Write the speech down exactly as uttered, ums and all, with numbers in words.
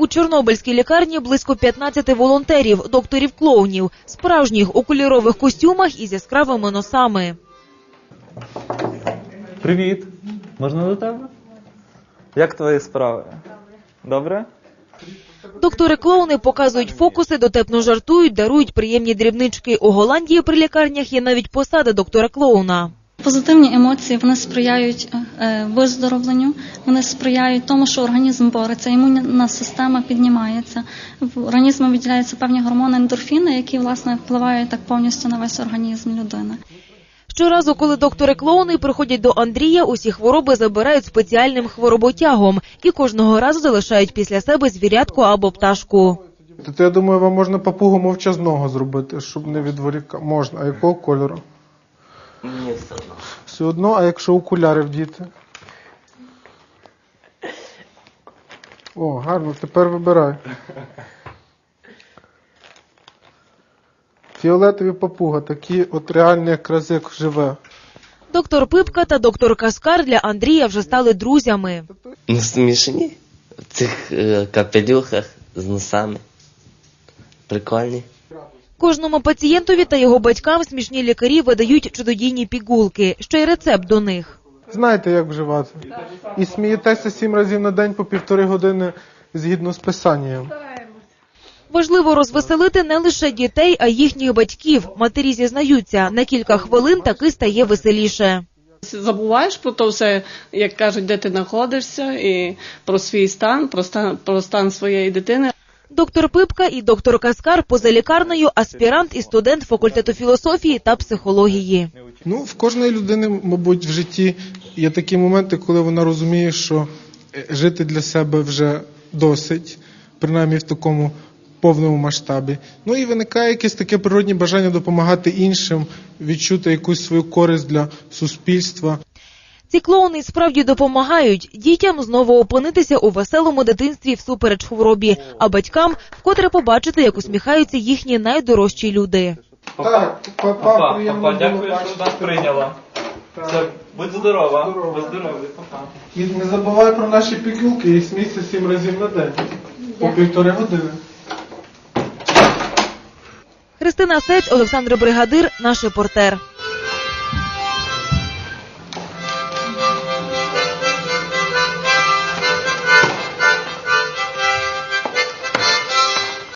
У Чорнобильській лікарні близько п'ятнадцяти волонтерів, докторів-клоунів, справжніх у кольорових костюмах із яскравими носами. Привіт! Можна до тебе? Як твої справи? Добре? Доктори-клоуни показують фокуси, дотепно жартують, дарують приємні дрібнички. У Голландії при лікарнях є навіть посада доктора-клоуна. Позитивні емоції, вони сприяють е, виздоровленню, вони сприяють тому, що організм бореться, імунна система піднімається, в організму виділяються певні гормони ендорфіни, які, власне, впливають так повністю на весь організм людини. Щоразу, коли доктори-клоуни приходять до Андрія, усі хвороби забирають спеціальним хвороботягом і кожного разу залишають після себе звірятку або пташку. То я думаю, вам можна папугу мовчазного зробити, щоб не відволікати. Можна. А якого кольору? Мені все одно. Все одно, а якщо окуляри вдіти? О, гарно, тепер вибирай. Фіолетові папуга, такі от реальні, якраз як живе. Доктор Пипка та доктор Каскар для Андрія вже стали друзями. Ну, смішні в цих е, капелюхах з носами. Прикольні. Кожному пацієнтові та його батькам смішні лікарі видають чудодійні пігулки, ще й рецепт до них. Знаєте, як вживати. І смієтеся сім разів на день по півтори години згідно з писанням. Важливо розвеселити не лише дітей, а й їхніх батьків. Матері зізнаються, на кілька хвилин таки стає веселіше. Забуваєш про то все, як кажуть, де ти знаходишся, і про свій стан, про стан, про стан своєї дитини. Доктор Пипка і доктор Каскар поза лікарнею – аспірант і студент факультету філософії та психології. Ну, в кожної людини, мабуть, в житті є такі моменти, коли вона розуміє, що жити для себе вже досить, принаймні в такому повному масштабі. Ну і виникає якесь таке природне бажання допомагати іншим, відчути якусь свою користь для суспільства. Ці клоуни справді допомагають дітям знову опинитися у веселому дитинстві всупереч хворобі, а батькам вкотре побачити, як усміхаються їхні найдорожчі люди. Так, папа, Папа, приємно папа, було дякую, що бачити. нас прийняла. Так. Все, будь здорова. Здорова. Будь здоровий, папа. І не забувай про наші пігулки і смійся сім разів на день. По півтори години. Христина Сець, Олександр Бригадир, наш репортер.